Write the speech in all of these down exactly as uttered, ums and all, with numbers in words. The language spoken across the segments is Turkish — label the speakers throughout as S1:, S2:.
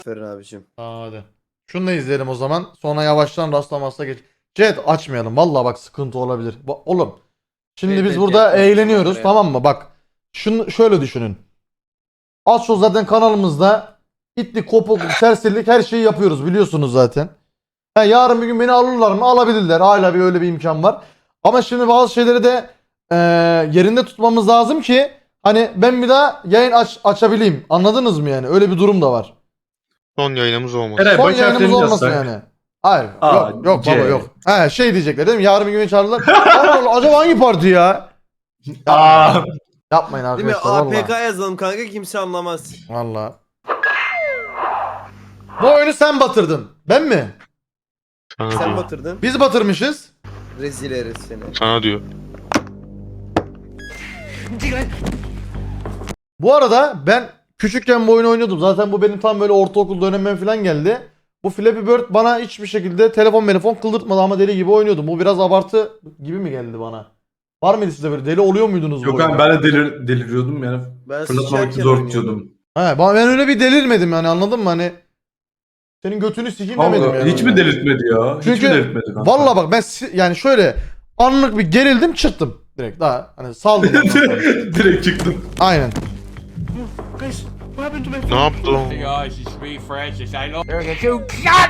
S1: Aferin abicim.
S2: Tamam hadi. Şunu da izleyelim o zaman. Sonra yavaştan rastlamasına geç. Chat açmayalım. Vallahi bak sıkıntı olabilir. Ba- oğlum. Şimdi
S1: Evet,
S2: biz
S1: evet,
S2: burada
S1: evet,
S2: eğleniyoruz,
S1: evet.
S2: tamam mı? Bak. Şunu şöyle düşünün. Az çok zaten kanalımızda itlik, kopukluk, serserilik her şeyi yapıyoruz biliyorsunuz zaten. Ha, yarın bir gün beni alırlar mı? Alabilirler. Hala bir öyle bir imkan var. Ama şimdi bazı şeyleri de eee, yerinde tutmamız lazım ki hani ben bir daha yayın aç açabileyim. Anladınız mı yani? Öyle bir durum da var.
S3: Son yayınımız olmasın.
S4: Eray
S2: Son
S4: baş
S2: yayınımız
S4: harflerini
S2: olmasın
S4: yazsak.
S2: yani. Hayır.
S4: A,
S2: yok yok
S4: C.
S2: baba yok. He şey diyecekler değil mi? Yarın bir gün beni çağırırlar. Allah Allah acaba hangi parti ya?
S4: Aa,
S2: Yapmayın
S1: Değil mi?
S2: arkadaşlar
S1: A P K
S2: valla.
S1: yazalım kanka, kimse anlamaz.
S2: Valla. Bu oyunu sen batırdın. Ben mi?
S3: Sana
S1: Sen
S3: diyor.
S1: batırdın.
S2: Biz batırmışız.
S1: Rezil herif seni.
S3: Sana diyor.
S2: Bu arada ben küçükken bu oyunu oynuyordum. Zaten bu benim tam böyle ortaokul dönemim falan geldi. Bu Flappy Bird bana hiçbir şekilde telefon telefon kıldırtmadı ama deli gibi oynuyordum. Bu biraz abartı gibi mi geldi bana? Var mıydı size böyle deli oluyor muydunuz bu
S4: yok
S2: oyunda?
S4: abi ben de delir, deliriyordum yani.
S1: Ben
S4: Fırlatmamak
S1: sıçarken
S4: zor
S1: oynuyordum.
S4: tutuyordum.
S2: He, ben ben öyle bir delirmedim yani, anladın mı? Hani senin götünü sikeyim demedim
S4: Allah,
S2: yani.
S4: hiç mi delirtmedi ya? Hiç
S2: Çünkü
S4: mi delirtmedi kanka?
S2: valla bak ben si- yani şöyle anlık bir gerildim çıktım direkt, daha hani saldım ondan sonra.
S4: Direkt çıktım.
S2: Aynen.
S3: Ne yaptı o?
S5: Guys, it's me, Francis. I know.
S6: There's a two shot!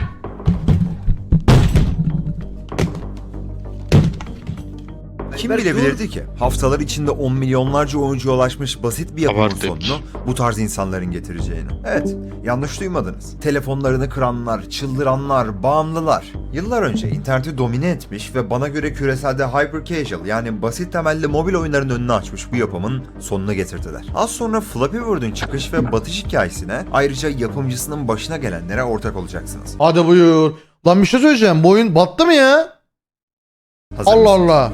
S7: Kim bilebilirdi ki? Haftalar içinde on milyonlarca oyuncuya ulaşmış basit bir yapımın
S3: Abartı etmiş.
S7: sonunu bu tarz insanların getireceğini. Evet, yanlış duymadınız. Telefonlarını kıranlar, çıldıranlar, bağımlılar. Yıllar önce interneti domine etmiş ve bana göre küreselde hyper casual yani basit temelli mobil oyunların önünü açmış bu yapımın sonunu getirdiler. Az sonra Flappy Bird'ün çıkış ve batış hikayesine, ayrıca yapımcısının başına gelenlere ortak olacaksınız.
S2: Hadi buyur. Lan bir şey söyleyeceğim, bu oyun battı mı ya?
S7: Hazır
S2: Allah
S7: mısınız?
S2: Allah.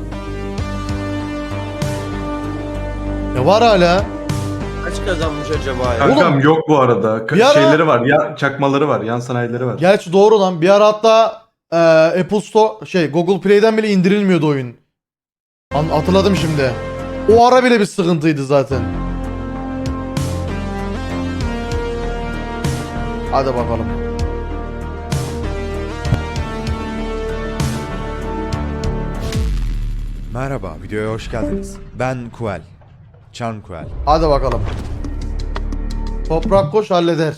S2: Ne var hala?
S1: Kaç kazanmış acaba ya?
S4: Kankam
S2: Oğlum,
S4: yok bu arada. Ka-
S2: bir ara-
S4: Şeyleri var. Ya çakmaları var. Yan sanayileri var.
S2: Gerçi doğru lan. Bir ara hatta e, Apple Store şey Google Play'den bile indirilmiyordu oyun. An- hatırladım şimdi. O ara bile bir sıkıntıydı zaten. Hadi bakalım.
S7: Merhaba, videoya hoş geldiniz. Ben Kuel. Can Kuel.
S2: Hadi bakalım. Toprak koş halleder.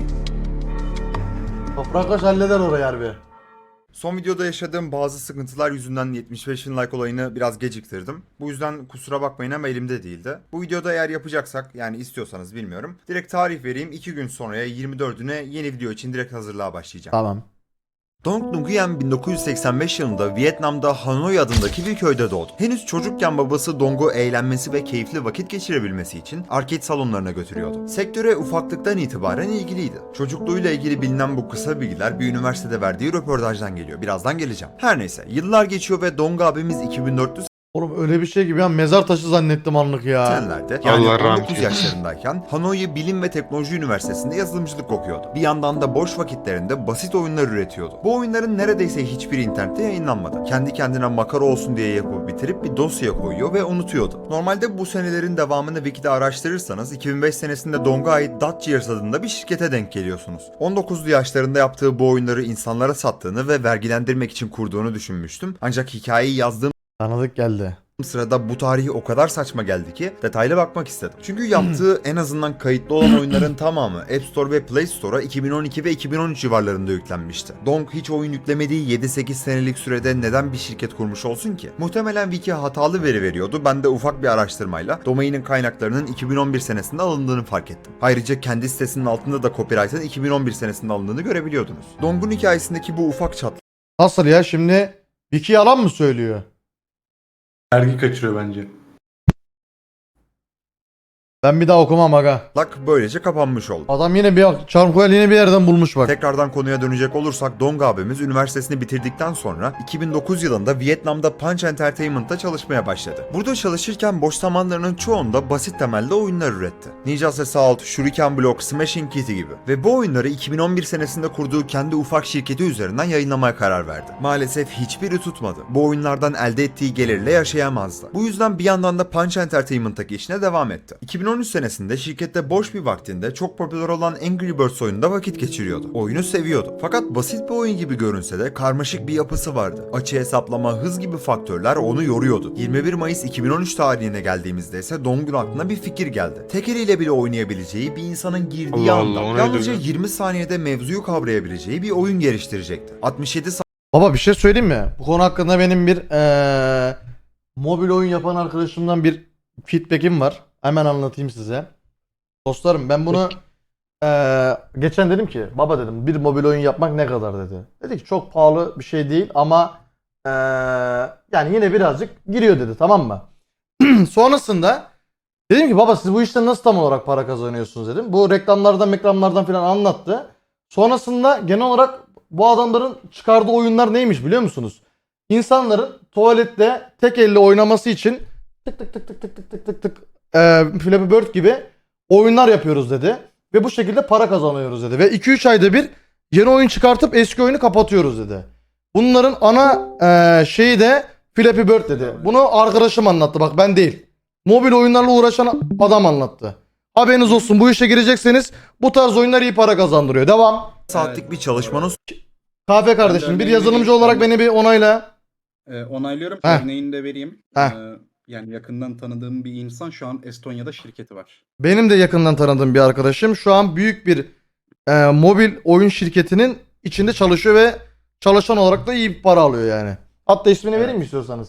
S2: Toprak koş halleder orayı harbi.
S7: Son videoda yaşadığım bazı sıkıntılar yüzünden yetmiş beş bin like olayını biraz geciktirdim. Bu yüzden kusura bakmayın ama elimde değildi. Bu videoda eğer yapacaksak, yani istiyorsanız bilmiyorum, direkt tarih vereyim. iki gün sonraya yirmi dördüne yeni video için direkt hazırlığa başlayacağım.
S2: Tamam.
S7: Dong Nguyen bin dokuz yüz seksen beş yılında Vietnam'da Hanoi adındaki bir köyde doğdu. Henüz çocukken babası Dong'u eğlenmesi ve keyifli vakit geçirebilmesi için arcade salonlarına götürüyordu. Sektöre ufaklıktan itibaren ilgiliydi. Çocukluğuyla ilgili bilinen bu kısa bilgiler bir üniversitede verdiği röportajdan geliyor. Birazdan geleceğim. Her neyse, yıllar geçiyor ve Dong abimiz iki bin dört yüz
S2: Oğlum öyle bir şey gibi ya, mezar taşı zannettim anlık ya.
S7: seksenlerde yani
S3: Allah rahmet
S7: on dokuz
S3: eylesin.
S7: yaşlarındayken Hanoi Bilim ve Teknoloji Üniversitesi'nde yazılımcılık okuyordu. Bir yandan da boş vakitlerinde basit oyunlar üretiyordu. Bu oyunların neredeyse hiçbiri internette yayınlanmadı. Kendi kendine makara olsun diye yapıp bitirip bir dosya koyuyor ve unutuyordu. Normalde bu senelerin devamını Wiki'de araştırırsanız iki bin beş senesinde Dong'a ait Dutch adında bir şirkete denk geliyorsunuz. on dokuzlu yaşlarında yaptığı bu oyunları insanlara sattığını ve vergilendirmek için kurduğunu düşünmüştüm. Ancak hikayeyi yazdığım
S2: Tanıdık geldi.
S7: sırada bu tarihi o kadar saçma geldi ki detaylı bakmak istedim. Çünkü yaptığı en azından kayıtlı olan oyunların tamamı App Store ve Play Store'a iki bin on iki ve iki bin on üç civarlarında yüklenmişti. Dong hiç oyun yüklemediği yedi sekiz senelik sürede neden bir şirket kurmuş olsun ki? Muhtemelen Wiki hatalı veri veriyordu. Ben de ufak bir araştırmayla domainin kaynaklarının iki bin on bir senesinde alındığını fark ettim. Ayrıca kendi sitesinin altında da copyright'ın iki bin on bir senesinde alındığını görebiliyordunuz. Dong'un hikayesindeki bu ufak çatlak
S2: Nasıl ya şimdi? Vicky yalan mı söylüyor?
S4: Vergi kaçırıyor bence.
S2: Ben bir daha okumam aga.
S7: böylece kapanmış oldu.
S2: Adam yine bir Charmcoil yine bir yerden bulmuş bak.
S7: Tekrardan konuya dönecek olursak Dong abimiz üniversitesini bitirdikten sonra iki bin dokuz yılında Vietnam'da Punch Entertainment'ta çalışmaya başladı. Burada çalışırken boş zamanlarının çoğunda basit temelde oyunlar üretti. Ninja Assault, Shuriken Block, Smashing Kitty gibi. Ve bu oyunları iki bin on bir senesinde kurduğu kendi ufak şirketi üzerinden yayınlamaya karar verdi. Maalesef hiçbiri tutmadı. Bu oyunlardan elde ettiği gelirle yaşayamazdı. Bu yüzden bir yandan da Punch Entertainment'taki işine devam etti. iki bin on üç senesinde şirkette boş bir vaktinde çok popüler olan Angry Birds oyununda vakit geçiriyordu. Oyunu seviyordu. Fakat basit bir oyun gibi görünse de karmaşık bir yapısı vardı. Açı hesaplama, hız gibi faktörler onu yoruyordu. yirmi bir Mayıs iki bin on üç tarihine geldiğimizde ise Dong'un aklına bir fikir geldi. Tek eliyle bile oynayabileceği bir insanın girdiği
S3: Allah
S7: anda
S3: Allah, o neydi
S7: yalnızca
S3: öyle?
S7: yirmi saniyede mevzuyu kavrayabileceği bir oyun geliştirecekti. altmış yedi
S2: Baba bir şey söyleyeyim mi? Bu konu hakkında benim bir eee, mobil oyun yapan arkadaşımdan bir feedback'im var. Hemen anlatayım size. Dostlarım ben bunu eee, geçen dedim ki baba dedim bir mobil oyun yapmak ne kadar dedi. Dedi ki çok pahalı bir şey değil ama eee, yani yine birazcık giriyor dedi, tamam mı? Sonrasında dedim ki baba siz bu işten nasıl tam olarak para kazanıyorsunuz dedim. Bu reklamlardan reklamlardan falan anlattı. Sonrasında genel olarak bu adamların çıkardığı oyunlar neymiş biliyor musunuz? İnsanların tuvalette tek elle oynaması için tık tık tık tık tık tık tık tık tık e, Flappy Bird gibi oyunlar yapıyoruz dedi. Ve bu şekilde para kazanıyoruz dedi. Ve iki üç ayda bir yeni oyun çıkartıp eski oyunu kapatıyoruz dedi. Bunların ana e, şeyi de Flappy Bird dedi. Bunu arkadaşım anlattı, bak ben değil. Mobil oyunlarla uğraşan adam anlattı. Haberiniz olsun, bu işe girecekseniz bu tarz oyunlar iyi para kazandırıyor. Devam.
S7: saatlik bir çalışmanın
S2: Kahve kardeşim bir
S6: örneğini
S2: yazılımcı
S6: vereyim.
S2: olarak beni bir onayla.
S6: Ee, onaylıyorum.
S2: Heh.
S6: Örneğini de vereyim.
S2: Heh.
S6: Ee, yani yakından tanıdığım bir insan şu an Estonya'da şirketi var.
S2: Benim de yakından tanıdığım bir arkadaşım şu an büyük bir e, mobil oyun şirketinin içinde çalışıyor ve çalışan olarak da iyi bir para alıyor yani. Hatta ismini
S6: Evet.
S2: vereyim mi istiyorsanız?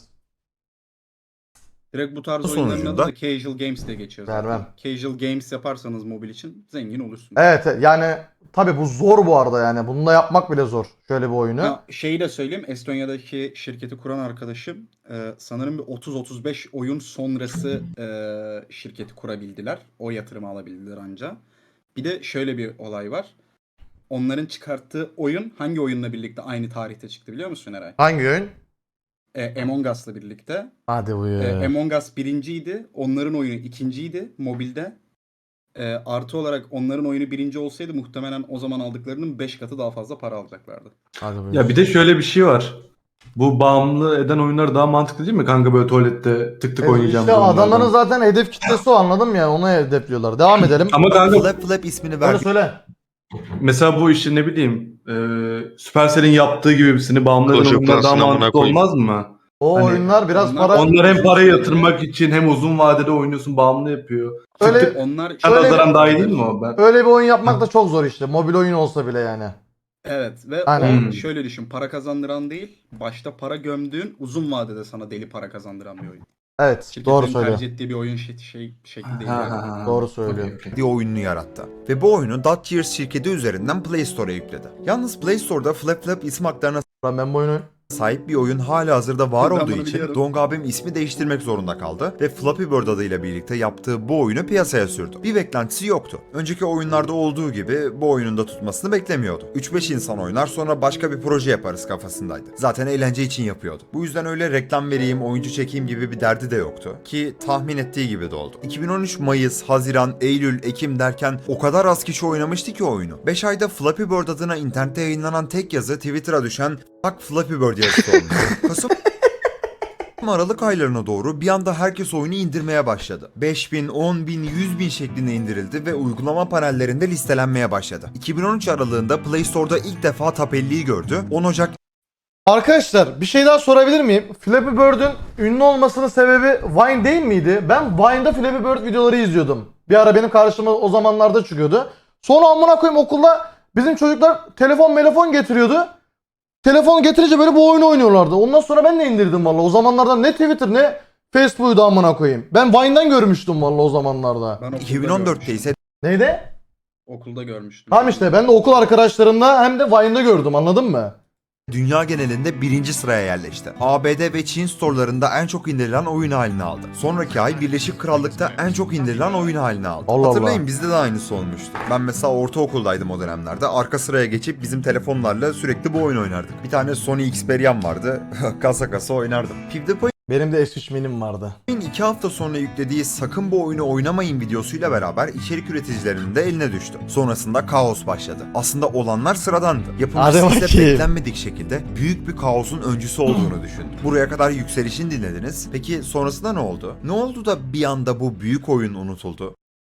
S6: Direkt bu tarz
S7: Sonucunda-
S6: oyunların adı da Casual Games diye geçiyor zaten.
S2: Vermem.
S6: Casual Games yaparsanız mobil için zengin olursunuz.
S2: Evet yani tabi bu zor bu arada yani. Bunu da yapmak bile zor. Şöyle bir oyunu.
S6: Ha, şeyi de söyleyeyim. Estonya'daki şirketi kuran arkadaşım e, sanırım bir otuz otuz beş oyun sonrası e, şirketi kurabildiler. O yatırımı alabildiler anca. Bir de şöyle bir olay var. Onların çıkarttığı oyun hangi oyunla birlikte aynı tarihte çıktı biliyor musun Eray?
S2: Hangi oyun?
S6: E, Among Us'la birlikte.
S2: Hadi
S6: E,
S2: buyur.
S6: Among Us birinciydi. Onların oyunu ikinciydi mobilde. E, artı olarak onların oyunu birinci olsaydı muhtemelen o zaman aldıklarının beş katı daha fazla para alacaklardı.
S2: Hadi buyur.
S4: Ya bir de şöyle bir şey var. Bu bağımlı eden oyunlar daha mantıklı değil mi kanka, böyle tuvalette tık tık
S2: E,
S4: oynayacağım.
S2: işte
S4: oyunlardan.
S2: adamların zaten hedef kitlesi o, anladın mı yani, onu hedefliyorlar. Devam edelim.
S4: Ama kanka
S7: Flap Flap ismini
S2: Öyle
S7: verdi.
S2: söyle.
S4: mesela bu işi ne bileyim e, Supercell'in yaptığı gibi birisini bağımlı eden
S3: Clash of
S4: oyunlar daha
S3: Clans'ın amına
S4: mantıklı
S3: koyayım.
S4: olmaz mı?
S2: O
S4: Hani
S2: oyunlar biraz
S6: onlar-
S2: para...
S4: Onlar hem parayı yatırmak için hem uzun vadede oynuyorsun, bağımlı yapıyor.
S2: Öyle-
S4: Tık tık
S6: Onlar
S2: Şöyle bir-
S4: nazaran daha iyi değil mi o? Ben...
S2: Öyle bir oyun yapmak da çok zor işte. Mobil oyun olsa bile yani.
S6: Evet ve
S2: Aynen.
S6: o şöyle düşün, para kazandıran değil, başta para gömdüğün, uzun vadede sana deli para kazandıran bir oyun.
S2: Evet,
S6: Şirketlerin
S2: doğru söylüyor.
S6: tercih ettiği bir oyun şey, şey şekli değil.
S4: Ha,
S6: yani.
S4: ha, ha.
S2: Doğru söylüyor.
S4: Okey, okey.
S7: diye oyununu yarattı. Ve bu oyunu Dot Years şirketi üzerinden Play Store'a yükledi. Yalnız Play Store'da Flap Flap isim haklarına
S2: Ben, ben bu oyunu...
S7: sahip bir oyun hala hazırda var
S6: Ben
S7: olduğu
S6: bunu
S7: için
S6: biliyorum.
S7: Dong abim ismi değiştirmek zorunda kaldı ve Flappy Bird adıyla birlikte yaptığı bu oyunu piyasaya sürdü. Bir beklentisi yoktu. Önceki oyunlarda olduğu gibi bu oyunun da tutmasını beklemiyordu. üç beş insan oynar sonra başka bir proje yaparız kafasındaydı. Zaten eğlence için yapıyordu. Bu yüzden öyle reklam vereyim, oyuncu çekeyim gibi bir derdi de yoktu. Ki tahmin ettiği gibi de oldu. iki bin on üç Mayıs, Haziran, Eylül, Ekim derken o kadar az kişi oynamıştı ki oyunu. beş ayda Flappy Bird adına internette yayınlanan tek yazı Twitter'a düşen "Fuck Flappy Bird" yazısı olmuş. Kasım Aralık aylarına doğru bir anda herkes oyunu indirmeye başladı. beş bin, on bin, yüz bin şeklinde indirildi ve uygulama panellerinde listelenmeye başladı. iki bin on üç aralığında Play Store'da ilk defa Top elliyi gördü. on Ocak
S2: Arkadaşlar bir şey daha sorabilir miyim? Flappy Bird'ün ünlü olmasının sebebi Vine değil miydi? Ben Vine'da Flappy Bird videoları izliyordum. Bir ara benim karşıma o zamanlarda çıkıyordu. Sonra amına koyayım okulda bizim çocuklar telefon telefon getiriyordu. Telefonu getirince böyle bu oyunu oynuyorlardı. Ondan sonra ben de indirdim valla. O zamanlarda ne Twitter ne Facebook'u amına koyayım. Ben Vine'dan görmüştüm valla o zamanlarda.
S6: Ben okulda
S7: iki bin on dörtte
S6: görmüştüm.
S7: ise
S2: Neydi?
S6: Okulda görmüştüm.
S2: Tamam işte ben de okul arkadaşlarımla hem de Vine'da gördüm, anladın mı?
S7: dünya genelinde birinci sıraya yerleşti. A B D ve Çin storelarında en çok indirilen oyun haline aldı. Sonraki ay Birleşik Krallık'ta en çok indirilen oyun haline aldı.
S2: Allah
S7: Hatırlayın
S2: Allah.
S7: bizde de aynısı olmuştu. Ben mesela ortaokuldaydım o dönemlerde. Arka sıraya geçip bizim telefonlarla sürekli bu oyun oynardık. Bir tane Sony Xperia'm vardı. kasa kasa oynardım. PewDiePie
S2: Benim de S üç minim vardı.
S7: iki hafta sonra yüklediği "sakın bu oyunu oynamayın" videosuyla beraber içerik üreticilerinin de eline düştü. Sonrasında kaos başladı. Aslında olanlar sıradandı.
S2: Hadi
S7: Yapımcısı ise
S2: bakayım.
S7: beklenmedik şekilde büyük bir kaosun öncüsü olduğunu düşündü. Buraya kadar yükselişin dinlediniz. Peki sonrasında ne oldu? Ne oldu da bir anda bu büyük oyun unutuldu?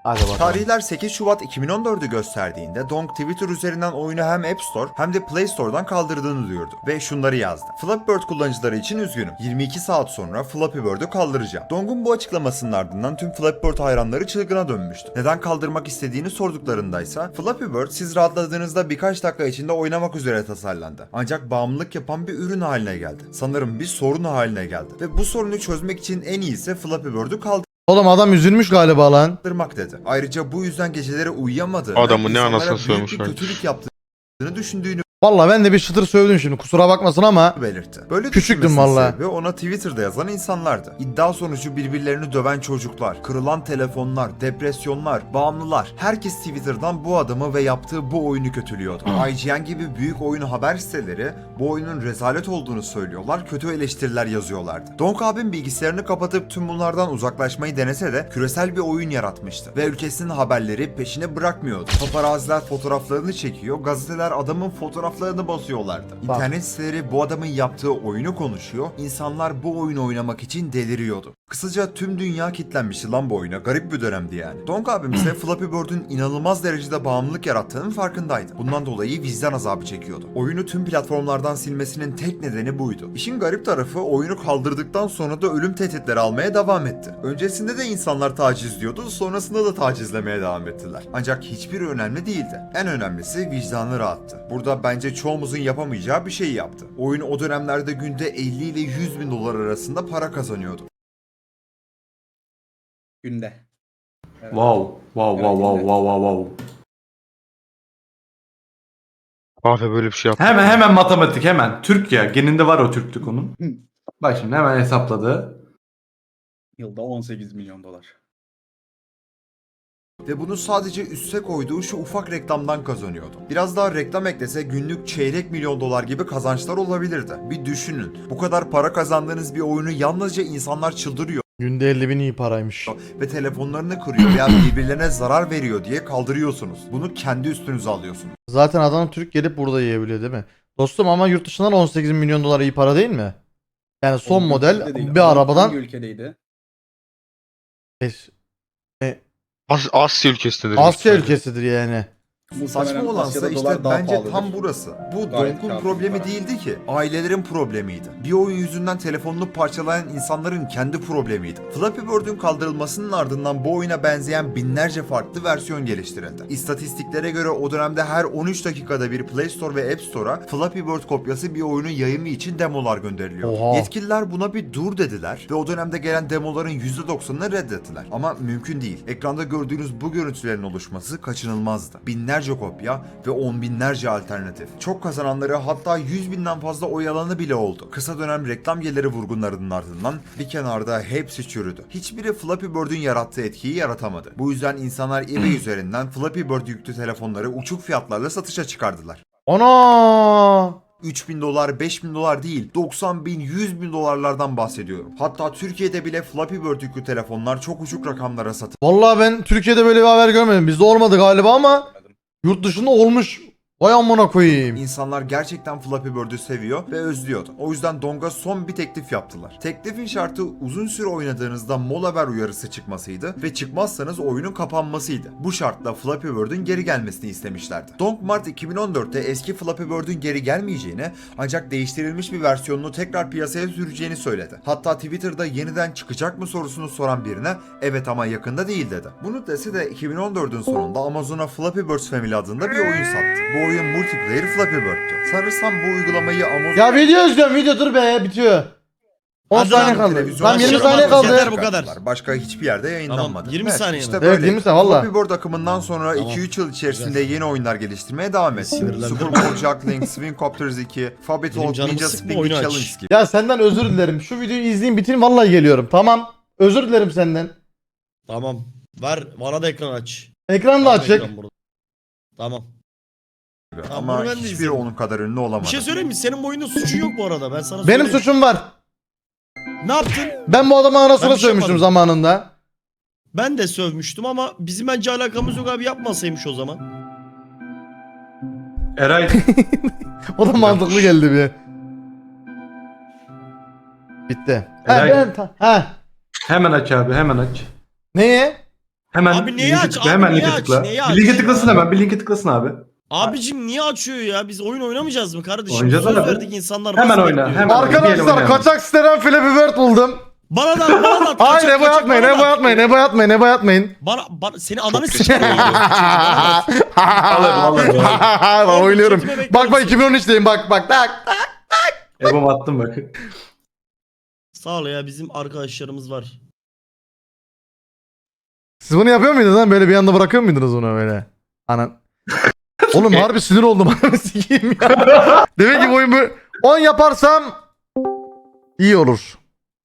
S2: Hadi bakalım.
S7: Tarihler sekiz Şubat iki bin on dördü gösterdiğinde Donk Twitter üzerinden oyunu hem App Store hem de Play Store'dan kaldırdığını duyurdu ve şunları yazdı. Flappy Bird kullanıcıları için üzgünüm. yirmi iki saat sonra Flappy Bird'ü kaldıracağım. Donk'un bu açıklamasının ardından tüm Flappy Bird hayranları çılgına dönmüştü. Neden kaldırmak istediğini sorduklarındaysa Flappy Bird siz rahatladığınızda birkaç dakika içinde oynamak üzere tasarlandı. Ancak bağımlılık yapan bir ürün haline geldi. Sanırım bir sorun haline geldi. Ve bu sorunu çözmek için en iyisi Flappy Bird'ü kaldırmak.
S2: Oğlum adam üzülmüş galiba lan.
S7: dedi. Ayrıca bu yüzden geceleri uyuyamadığını,
S3: Adamın ne
S7: insanlara
S3: anasını
S7: büyük bir
S3: sövmüşler.
S7: kötülük yaptığını düşündüğünü
S2: Valla ben de bir çıtır sövdüm şimdi, kusura bakmasın ama.
S7: belirtti. Böyle
S2: Küçüktüm
S7: düşünmesinin
S2: valla.
S7: sebebi ona Twitter'da yazan insanlardı. İddia sonucu birbirlerini döven çocuklar, kırılan telefonlar, depresyonlar, bağımlılar. Herkes Twitter'dan bu adamı ve yaptığı bu oyunu kötülüyordu. I G N gibi büyük oyun haber siteleri bu oyunun rezalet olduğunu söylüyorlar, kötü eleştiriler yazıyorlardı. Donk abim bilgisayarını kapatıp tüm bunlardan uzaklaşmayı denese de küresel bir oyun yaratmıştı. Ve ülkesinin haberleri peşine bırakmıyordu. Paparaziler fotoğraflarını çekiyor, gazeteler adamın fotoğraflarını basıyorlardı.
S2: Bak.
S7: İnternet siteleri bu adamın yaptığı oyunu konuşuyor, insanlar bu oyunu oynamak için deliriyordu. Kısaca tüm dünya kitlenmişti lan bu oyuna, garip bir dönemdi yani. Donk abim ise Flappy Bird'ün inanılmaz derecede bağımlılık yarattığının farkındaydı. Bundan dolayı vicdan azabı çekiyordu. Oyunu tüm platformlardan silmesinin tek nedeni buydu. İşin garip tarafı oyunu kaldırdıktan sonra da ölüm tehditleri almaya devam etti. Öncesinde de insanlar taciz diyordu, sonrasında da tacizlemeye devam ettiler. Ancak hiçbiri önemli değildi. En önemlisi vicdanı rahattı. Burada bence çoğumuzun yapamayacağı bir şey yaptı. Oyun o dönemlerde günde elli ile yüz bin dolar arasında para kazanıyordu.
S6: Günde. Evet.
S4: Wow. Wow wow wow wow wow wow.
S3: Kahve böyle bir şey yaptı.
S4: Hemen hemen matematik hemen. Türk ya. Geninde var o Türklük onun. Bak şimdi hemen hesapladı.
S6: Yılda on sekiz milyon dolar.
S7: Ve bunu sadece üste koyduğu şu ufak reklamdan kazanıyordu. Biraz daha reklam eklese günlük çeyrek milyon dolar gibi kazançlar olabilirdi. Bir düşünün. Bu kadar para kazandığınız bir oyunu yalnızca insanlar çıldırıyor
S2: Günde elli bin iyi paraymış.
S7: ve telefonlarını kırıyor veya birbirlerine zarar veriyor diye kaldırıyorsunuz. Bunu kendi üstünüze alıyorsunuz.
S2: Zaten adam Türk gelip burada yiyebiliyor değil mi? Dostum ama yurt dışından on sekiz milyon dolar iyi para değil mi? Yani son
S6: Hangi
S2: model
S6: ülkede değil?
S2: bir
S6: Hangi
S2: arabadan
S6: ülkedeydi?
S2: Beş-
S3: As Asya ülkesindedir.
S2: Asya
S3: büyük ihtimalle.
S2: ülkesidir yani.
S7: Saçma
S6: Muhtemelen
S7: olansa
S6: Asya'da
S7: işte
S6: dolar daha
S7: bence
S6: pahalıdır.
S7: tam burası. Bu
S6: Gayet
S7: Donk'un
S6: kârlı
S7: problemi
S6: para.
S7: değildi ki. Ailelerin problemiydi. Bir oyun yüzünden telefonunu parçalayan insanların kendi problemiydi. Flappy Bird'ün kaldırılmasının ardından bu oyuna benzeyen binlerce farklı versiyon geliştirildi. İstatistiklere göre o dönemde her on üç dakikada bir Play Store ve App Store'a Flappy Bird kopyası bir oyunun yayımı için demolar gönderiliyor.
S2: Oha.
S7: Yetkililer buna bir dur dediler ve o dönemde gelen demoların yüzde doksanını reddettiler. Ama mümkün değil. Ekranda gördüğünüz bu görüntülerin oluşması kaçınılmazdı. Binlerce kopya ve on binlerce alternatif. Çok kazananları, hatta yüz binden fazla oy alanı bile oldu. Kısa dönem reklam geliri vurgunlarının ardından bir kenarda hepsi çürüdü. Hiçbiri Flappy Bird'ün yarattığı etkiyi yaratamadı. Bu yüzden insanlar eBay üzerinden Flappy Bird yüklü telefonları uçuk fiyatlarla satışa çıkardılar.
S2: Ana!
S7: üç bin dolar, beş bin dolar değil, doksan bin, yüz bin dolarlardan bahsediyorum. Hatta Türkiye'de bile Flappy Bird yüklü telefonlar çok uçuk rakamlara satıldı.
S2: Vallahi ben Türkiye'de böyle bir haber görmedim. Bizde olmadı galiba ama yurt dışında olmuş. Vay amına koyayım.
S7: İnsanlar gerçekten Flappy Bird'ü seviyor ve özlüyordu. O yüzden Donk'a son bir teklif yaptılar. Teklifin şartı uzun süre oynadığınızda mola ver uyarısı çıkmasıydı ve çıkmazsanız oyunun kapanmasıydı. Bu şartla Flappy Bird'ün geri gelmesini istemişlerdi. Donk Mart iki bin on dörtte eski Flappy Bird'ün geri gelmeyeceğini, ancak değiştirilmiş bir versiyonunu tekrar piyasaya süreceğini söyledi. Hatta Twitter'da yeniden çıkacak mı sorusunu soran birine evet ama yakında değil dedi. Bunu dese de iki bin on dördün sonunda Amazon'a Flappy Birds Family adında bir oyun sattı. Bu oyun multiplayer Flappy Bird'tü. Sanırsam bu uygulamayı Amazon...
S2: Ya video izliyorum, video dur be, bitiyor. on
S8: Hadi
S2: saniye
S8: lan,
S2: kaldı.
S7: televizyona
S2: Tam yirmi
S8: çıkarma,
S2: saniye
S8: yeter
S2: kaldı.
S8: bu kadar.
S7: Başka hiçbir yerde yayınlanmadı.
S8: Tamam, yirmi saniye mi?
S7: İşte
S2: Evet,
S7: böyle.
S2: yirmi saniye, valla.
S7: Flappy Bird akımından sonra
S8: Tamam.
S7: iki üç yıl içerisinde yeni oyunlar geliştirmeye devam etti.
S8: Sinirlendim.
S7: Super Mario Juggling, Swing Copters iki, Fabby
S8: Benim
S7: Talk,
S8: canımı
S7: Ninja
S8: sıkma,
S7: Spinning
S8: oyunu aç.
S7: Challenge gibi.
S2: Ya senden özür dilerim. Şu videoyu izleyeyim, bitireyim, vallahi geliyorum. Tamam. Özür dilerim senden.
S8: Tamam. Ver bana da ekran aç.
S2: Ekran da
S8: Var mı
S2: açık.
S8: ekran burada? Tamam. Tamam,
S7: Ama
S8: bunu ben de
S7: hiçbiri
S8: izlerim.
S7: onun kadar ünlü olamadı.
S8: Bir şey söyleyeyim mi? Senin bu oyunda suçun yok bu arada. Ben sana
S2: Benim
S8: söyleyeyim.
S2: suçum var.
S8: Ne yaptın?
S2: Ben bu adamı anasına
S8: Ben bir şey
S2: sövmüştüm
S8: yapmadım.
S2: zamanında.
S8: Ben de sövmüştüm ama bizim bence alakamız yok abi, yapmasaymış o zaman.
S4: Eray
S2: O da mantıklı geldi bir. Bitti. Ha
S4: Eray-
S2: ben ta- ha.
S4: hemen aç abi hemen aç.
S2: Neye?
S4: Hemen
S8: Abi neyi
S4: linke
S8: aç?
S4: tıkla,
S8: Abi
S4: hemen
S8: neyi
S4: linke
S8: aç?
S4: tıkla.
S8: Neyi
S4: Bir linke
S8: aç
S4: tıklasın
S8: ya?
S4: hemen, bir linke tıklasın abi.
S8: Abicim niye açıyor ya? Biz oyun oynamayacağız mı kardeşim?
S4: Oynayacağız
S8: Söz
S4: abi.
S8: verdik insanlar.
S4: Hemen
S8: nasıl
S4: oyna,
S8: bekliyor?
S4: hemen. Bir
S2: Arkadaşlar
S4: oynayalım.
S2: kaçak siteden Flappy Bird buldum.
S8: Bana da bana da.
S2: Hayır
S8: kaçak,
S2: Ebo
S8: kaçak,
S2: atmayın,
S8: bana
S2: Ebo
S8: da.
S2: atmayın, Ebo atmayın, Ebo atmayın.
S8: Bana, bana seni ananı
S3: riskli
S8: sikerim.
S4: Alırım, alırım.
S2: Ben oynuyorum.
S8: Chatime bekler
S2: Bak bak
S8: misin?
S2: iki bin on üçteyim bak bak bak.
S4: Ebom attım bak.
S8: Sağ ol ya, bizim arkadaşlarımız var.
S2: Siz bunu yapıyor muydunuz lan? Böyle bir anda bırakıyor muydunuz bunu böyle? Anan. Oğlum harbi sinir oldum. Ananı sikeyim ya. Demek ki bu oyun böyle on yaparsam iyi olur.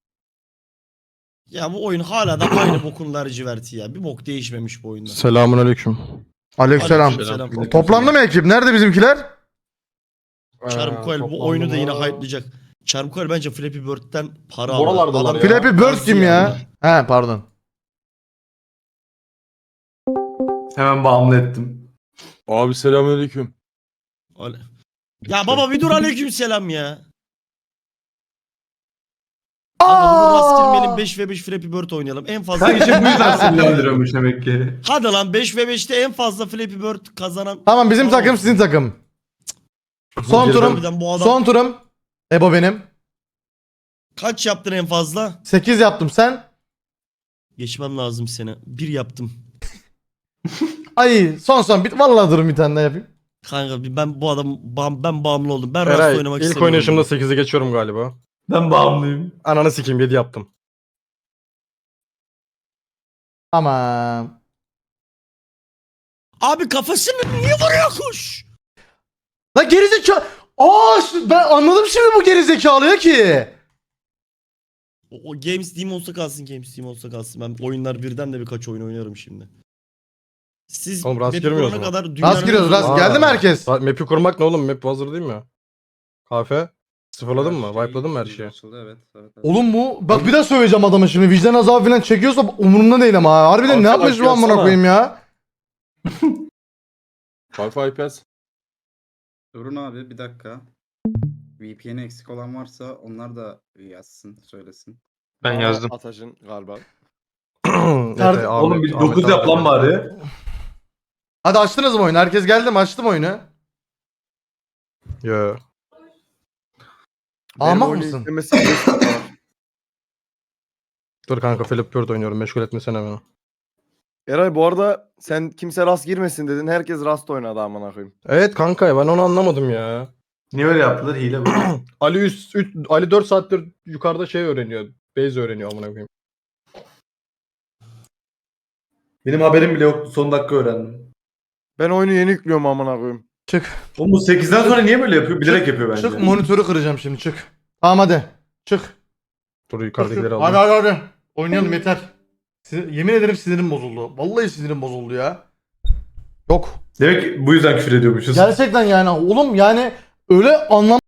S8: Ya bu oyun hala da aynı bokun laciverti ya. Bir bok değişmemiş bu oyunda.
S2: Selamun aleyküm. Aleykümselam.
S8: Aleykümselam.
S2: Toplandı mı ekip? Nerede bizimkiler?
S8: Çarmıkoel bu oyunu da yine hype'layacak. Çarmıkoel bence Flappy Bird'den para aldı.
S9: Buralardalar
S8: Adam-
S9: ya.
S2: Flappy Bird
S8: Nasıl
S2: kim ya?
S8: yani?
S2: He pardon.
S4: Hemen bağımlı ettim.
S9: Abi selamünaleyküm.
S8: Ale- Ya baba bir dur, aleykümselam ya. Kanka rast girmeyelim, beş ve beş Flappy Bird oynayalım. En fazla...
S4: Sanki şey bu yüzden sinirlendiriyormuş demek ki.
S8: Hadi lan beş ve beşte en fazla Flappy Bird kazanan...
S2: Tamam bizim takım sizin takım. Son turum.
S8: Harbiden bu adam...
S2: Son turum. Ebo benim.
S8: Kaç yaptın en fazla?
S2: sekiz yaptım sen.
S8: Geçmem lazım seni. Bir yaptım.
S2: Ay son son bit vallahi durun bir tane daha yapayım.
S8: Kanka bir- ben bu adam bağım- ben bağımlı oldum. Ben rast
S9: Eray
S8: oynamak
S9: ilk
S8: istemiyorum.
S9: oynayışımda sekizi geçiyorum galiba.
S4: Ben bağımlıyım.
S9: Ananı sikeyim yedi yaptım.
S2: Tamam.
S8: Abi kafasını niye vuruyor kuş?
S2: La gerizekalı. Aa şu- ben anladım şimdi bu gerizekalıya ki.
S8: O, o Games Team olsa kalsın, Games Team olsa kalsın. Ben oyunlar birden de birkaç oyun oynarım şimdi. Siz
S9: Oğlum rast
S8: map'i
S9: girmiyoruz
S8: kurana
S9: mu?
S8: kadar dünyanın...
S2: Rast giriyoruz rast.
S9: Aa.
S2: Geldi mi herkes?
S9: Sa- Map'i kurmak ne oğlum? Map hazır değil mi? Kafe. Sıfırladın mı? Wipe'ladın mı her şeyi?
S6: Açıldı, evet, evet, evet.
S2: Oğlum bu bak bir daha söyleyeceğim adama şimdi vicdan azabı falan çekiyorsa umurumda değil ama ha. Harbiden ne
S9: Alsana,
S2: yapmış bu amına
S9: yazsana.
S2: koyayım ya?
S9: Wi-Fi I P S.
S6: Durun abi bir dakika. V P N'i eksik olan varsa onlar da yazsın, söylesin.
S3: Ben yazdım.
S1: Ataş'ın galiba.
S9: Efe,
S4: Oğlum bir
S9: Ahmet,
S4: dokuz
S9: Ahmet
S4: yap lan
S9: abi.
S4: bari.
S2: Hadi açtınız mı oyunu? Herkes geldi mi? Açtım oyunu.
S9: Yo.
S2: Ahmak
S1: Benim oyunu
S2: mısın?
S1: yüklemesi beş dakika var.
S9: Dur kanka Philip Bird oynuyorum. Meşgul etmesene beni.
S1: Eray bu arada sen kimse rast girmesin dedin. Herkes rast oynadı amına koyayım.
S9: Evet kanka ben onu anlamadım ya.
S4: Niye öyle yaptılar? Hile bu.
S9: Ali üst, üç, Ali dört saattir yukarıda şey öğreniyor. Base öğreniyor amına koyayım.
S4: Benim haberim bile yoktu. Son dakika öğrendim.
S1: Ben oyunu yeni yüklüyorum amına koyayım.
S2: Çık.
S4: Oğlum bu sekizden sonra niye böyle yapıyor? Bilerek yapıyor bence.
S2: Çık monitörü kıracağım şimdi çık. Tamam hadi. Çık.
S9: Dur yukarıdakileri
S2: Hadi
S9: aldım.
S2: hadi hadi. Oynayalım yeter. Sinir- yemin ederim sinirim bozuldu. Vallahi sinirim bozuldu ya. Yok.
S4: Demek ki bu yüzden küfür ediyormuşuz.
S2: Gerçekten yani oğlum yani öyle anlam